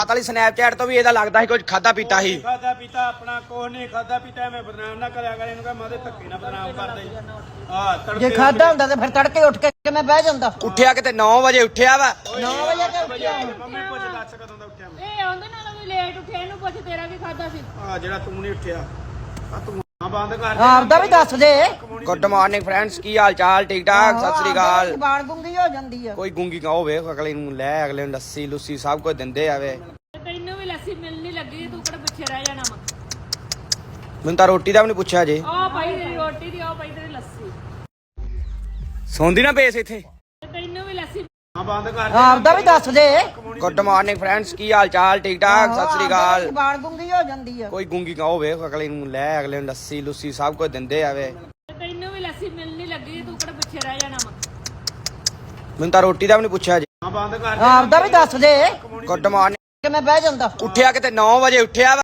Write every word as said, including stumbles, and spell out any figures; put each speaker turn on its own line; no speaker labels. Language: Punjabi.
ਵਾਲੀ ਸਨੈਪਚੈਟ ਤੋਂ ਵੀ ਇਹਦਾ ਲੱਗਦਾ ਸੀ ਕੁਝ ਖਾਦਾ ਪੀਤਾ ਸੀ।
ਖਾਦਾ ਪੀਤਾ ਆਪਣਾ ਕੋਹ ਨਹੀਂ ਖਾਦਾ ਪੀਤਾ ਐਵੇਂ ਬਦਨਾਮ ਨਾ ਕਰਿਆ ਕਰ ਇਹਨੂੰ ਕਹ ਮਾਦੇ ਧੱਕੇ ਨਾ ਬਦਨਾਮ ਕਰਦੇ ਹਾਂ ਤੜਕੇ
ਜੇ ਖਾਦਾ ਹੁੰਦਾ ਤੇ ਫਿਰ ਤੜਕੇ ਉੱਠ ਕੇ ਕਿਵੇਂ ਬਹਿ ਜਾਂਦਾ।
ਉੱਠਿਆ ਕਿਤੇ ਨੌ ਵਜੇ ਉੱਠਿਆ ਵਾ।
ਨੌ ਵਜੇ ਤੇ ਉੱਠਿਆ
ਮੰਮੀ ਪੁੱਛ ਦੱਸ ਕਦੋਂ ਦਾ ਉੱਠਿਆ ਮੈਂ।
ਇਹ ਆਉਂਦੇ ਨਾਲ ਵੀ ਲੇਟ ਉੱਠਿਆ ਇਹਨੂੰ ਪੁੱਛ ਤੇਰਾ ਕੀ ਖਾਦਾ ਸੀ।
ਆ ਜਿਹੜਾ ਤੂੰ ਨਹੀਂ ਉੱਠਿਆ ਆ ਤੂੰ ਬੰਦ ਕਰ ਦੇ
ਆਪਦਾ ਵੀ ਦੱਸ ਦੇ।
ਗੁੱਡ ਮਾਰਨਿੰਗ ਫਰੈਂਡਸ, ਕੀ ਹਾਲ ਚਾਲ? ਠੀਕ ਠਾਕ, ਸਤਿ ਸ੍ਰੀ ਅਕਾਲ।
ਜ਼ਬਾਨ ਗੁੰਗੀ ਹੋ ਜਾਂਦੀ ਆ।
ਕੋਈ ਗੁੰਗੀ ਕਹੋ ਵੇਖ ਅਗਲੇ ਨੂੰ ਲੈ ਅਗਲੇ ਨੂੰ ਲੱਸੀ ਲੁੱਸੀ ਸਭ ਕੁਝ ਦਿੰਦੇ ਆਵੇ।
ਤੈਨੂੰ ਵੀ ਲੱਸੀ ਮਿਲਣੀ ਲੱਗੀ ਤੂੰ ਕਿਹੜਾ ਪਿੱਛੇ ਰਹਿ ਜਾਣਾ ਵਾ।
ਮੈਨੂੰ ਤਾਂ ਰੋਟੀ ਦਾ ਵੀ ਨਹੀਂ ਪੁੱਛਿਆ ਜੇ।
ਆਹ ਭਾਈ ਤੇਰੀ ਰੋਟੀ ਦੀ ਆਹ ਭਾਈ ਤੇਰੀ ਲੱਸੀ।
ਸੌਂਦੀ ਨਾ ਬੇਸ ਇੱਥੇ।
ਤੈਨੂੰ ਵੀ ਲੱਸੀ
ਆ ਬੰਦ ਕਰ ਦੇ
ਆਪਦਾ ਵੀ ਦੱਸ ਦੇ।
ਗੁੱਡ ਮਾਰਨਿੰਗ ਫਰੈਂਡਸ, ਕੀ ਹਾਲ ਚਾਲ? ਠੀਕ ਠਾਕ, ਸਤਿ ਸ੍ਰੀ ਅਕਾਲ।
ਜ਼ਬਾਨ ਗੁੰਗੀ ਹੋ ਜਾਂਦੀ ਆ।
ਕੋਈ ਗੁੰਗੀ ਕਹੋ ਵੇਖ ਅਗਲੇ ਨੂੰ ਲੈ ਅਗਲੇ ਨੂੰ ਲੱਸੀ ਲੁੱਸੀ ਸਭ ਕੁਝ ਦਿੰਦੇ ਆਵੇ।
ਤੈਨੂੰ ਵੀ ਲੱਸੀ ਮਿਲਣੀ ਲੱਗੀ ਤੂੰ ਕਿਹੜਾ ਪਿੱਛੇ ਰਹਿ ਜਾਣਾ ਵਾ।
ਮੈਨੂੰ ਤਾਂ ਰੋਟੀ ਦਾ ਵੀ ਨਹੀਂ ਪੁੱਛਿਆ ਜੇ।
ਆ ਬੰਦ ਕਰ ਦੇ
ਆਪਦਾ ਵੀ ਦੱਸ ਦੇ।
Good morning.
ਕਿਵੇਂ ਬਹਿ ਜਾਂਦਾ।
ਉੱਠਿਆ ਕਿਤੇ ਨੌ ਵਜੇ ਉੱਠਿਆ ਵਾ।